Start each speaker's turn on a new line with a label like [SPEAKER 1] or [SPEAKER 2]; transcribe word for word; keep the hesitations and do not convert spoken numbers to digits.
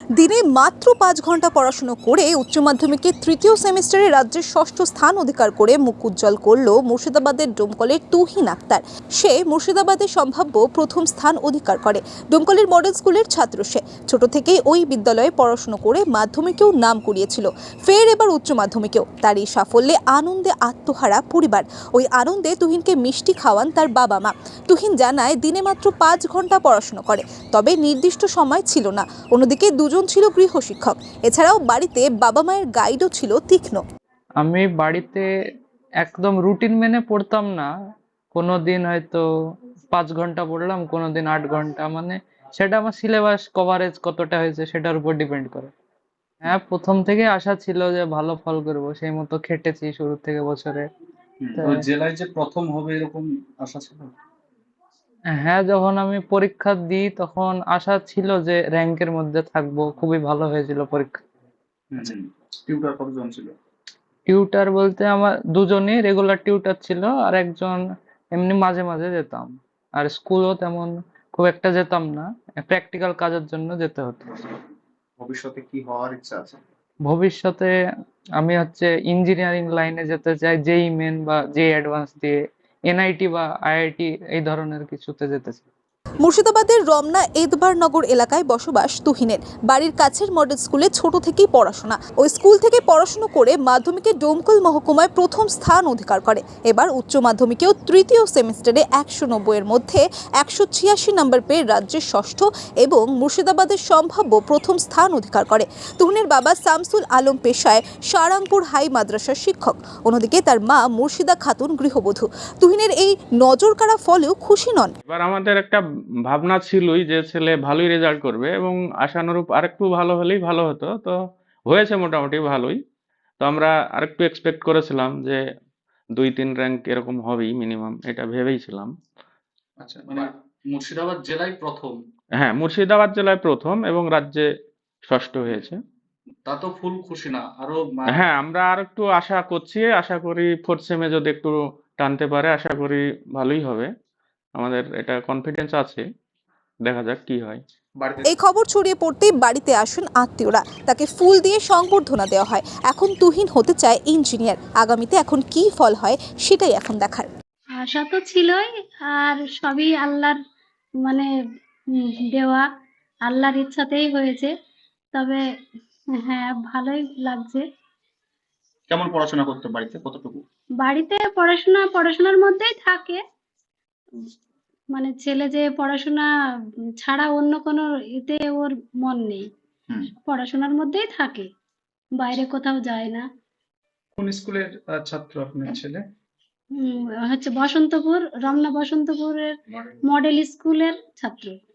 [SPEAKER 1] দিনে মাত্র পাঁচ ঘন্টা পড়াশুনো করে উচ্চ মাধ্যমিকে তৃতীয় সেমিস্টারে রাজ্যের ষষ্ঠ স্থান অধিকার করে মুখ উজ্জ্বল করল মুর্শিদাবাদের ডোমকলের তুহিন আক্তার। সে মুর্শিদাবাদে সম্ভাব্য প্রথম স্থান অধিকার করে। ডোমকলের মডেল স্কুলের ছাত্র সে। ছোট থেকেই ওই বিদ্যালয়ে পড়াশুনো করে মাধ্যমিকেও নাম কুড়িয়েছিল, ফের এবার উচ্চ মাধ্যমিকেও। তার এই সাফল্যে আনন্দে আত্মহারা পরিবার। ওই আনন্দে তুহিনকে মিষ্টি খাওয়ান তার বাবা মা। তুহিন জানায় দিনে মাত্র পাঁচ ঘন্টা পড়াশুনো করে, তবে নির্দিষ্ট সময় ছিল না। অন্যদিকে দুজন ছিল গৃহশিক্ষক। এছাড়াও বাড়িতে বাবা মায়ের গাইডও ছিল তীক্ষ্ণ।
[SPEAKER 2] আমি বাড়িতে একদম রুটিন মেনে পড়তাম না। কোনোদিন হয়তো পাঁচ ঘন্টা পড়লাম, কোনোদিন আট ঘন্টা, মানে সেটা আমার সিলেবাস কভারেজ কতটা হয়েছে সেটার উপর ডিপেন্ড করে। হ্যাঁ, প্রথম থেকে আশা ছিল যে ভালো ফল করব, সেই মতো খেটেছি শুরু থেকে বছরে।
[SPEAKER 3] তো জেলায় যে প্রথম হবে এরকম আশা ছিল?
[SPEAKER 2] হ্যাঁ, যখন আমি পরীক্ষা দিই তখন আশা ছিল যে র্যাঙ্কের মধ্যে থাকবো, খুবই ভালো হয়েছিল পরীক্ষা।
[SPEAKER 3] টিউটর কতজন ছিল?
[SPEAKER 2] টিউটার বলতে আমার দুজনই রেগুলার টিউটার ছিল, আর একজন এমনি মাঝে মাঝে যেতাম। আর স্কুলও তেমন খুব একটা যেতাম না, প্র্যাকটিক্যাল কাজের জন্য যেতে হতো।
[SPEAKER 3] ভবিষ্যতে কি হওয়ার ইচ্ছা আছে?
[SPEAKER 2] ভবিষ্যতে আমি হচ্ছে ইঞ্জিনিয়ারিং লাইনে যেতে চাই, জেই মেন বা জেই অ্যাডভান্স দিয়ে এনআইটি বা আইআইটি এই ধরনের কিছুতে যেতে চাই।
[SPEAKER 1] মুর্শিদাবাদের রমনা এদবারনগর এলাকায় বসবাস তুহিনের। বাড়ির কাছের মডেল স্কুলে ছোট থেকেই পড়াশোনা। ওই স্কুল থেকে পড়াশোনা করে মাধ্যমিকে ডোমকল মহকুমায় প্রথম স্থান অধিকার করে। এবার উচ্চ মাধ্যমিকেও তৃতীয় সেমিস্টারে একশো নব্বইয়ের মধ্যে একশো ছিয়াশি নম্বর পেয়ে রাজ্যের ষষ্ঠ এবং মুর্শিদাবাদের সম্ভাব্য প্রথম স্থান অধিকার করে। তুহিনের বাবা শামসুল আলম পেশায় সারাংপুর হাই মাদ্রাসার শিক্ষক। অন্যদিকে তার মা মুর্শিদা খাতুন গৃহবধূ। তুহিনের এই নজর কাড়া ফলেও খুশি নন।
[SPEAKER 4] এবার আমাদের একটা ভাবনা ছিলই যে ছেলে ভালোই রেজাল্ট করবে এবং আশানুরূপ আরেকটু ভালো হলেই ভালো হতো। তো হয়েছে মোটামুটি ভালোই। তো আমরা আরেকটু এক্সপেক্ট করেছিলাম যে দুই তিন র্যাঙ্ক এরকম হবেই মিনিমাম, এটা ভেবেইছিলাম।
[SPEAKER 3] আচ্ছা, মানে মুর্শিদাবাদ জেলায় প্রথম?
[SPEAKER 4] হ্যাঁ, মুর্শিদাবাদ জেলায় প্রথম এবং রাজ্যে ষষ্ঠ হয়েছে।
[SPEAKER 3] তা তো ফুল খুশি না, আরো
[SPEAKER 4] হ্যাঁ, আমরা আর একটু আশা করছি, আশা করি ফোর্থ সেমে যদি একটু টানতে পারে আশা করি ভালোই হবে। আমাদের এটা কনফিডেন্স আছে, দেখা যাক কি হয়।
[SPEAKER 1] এই খবর ছড়িয়ে পড়তেই বাড়িতে আসেন আত্মীয়রা। তাকে ফুল দিয়ে সংবর্ধনা দেওয়া হয়। এখন তুহিন হতে চায় ইঞ্জিনিয়ার। আগামীতে এখন কি ফল হয় সেটাই এখন দেখার।
[SPEAKER 5] আশা তো ছিলই, আর সবই আল্লাহর মানে দেওয়া, আল্লাহর ইচ্ছাতেই হয়েছে। তবে হ্যাঁ, ভালোই লাগছে।
[SPEAKER 3] কেমন পড়াশোনা করতে বাড়িতে, কতটুকু?
[SPEAKER 5] বাড়িতে পড়াশোনা পড়াশোনার মধ্যেই থাকে, মানে ছেলে যে পড়াশোনা ছাড়া অন্য কোনো এতে ওর মন নেই, পড়াশোনার মধ্যেই থাকে, বাইরে কোথাও যায় না।
[SPEAKER 3] কোন স্কুলের ছাত্র আপনার ছেলে?
[SPEAKER 5] হচ্ছে বসন্তপুর, রমনা বসন্তপুরের মডেল স্কুলের ছাত্র।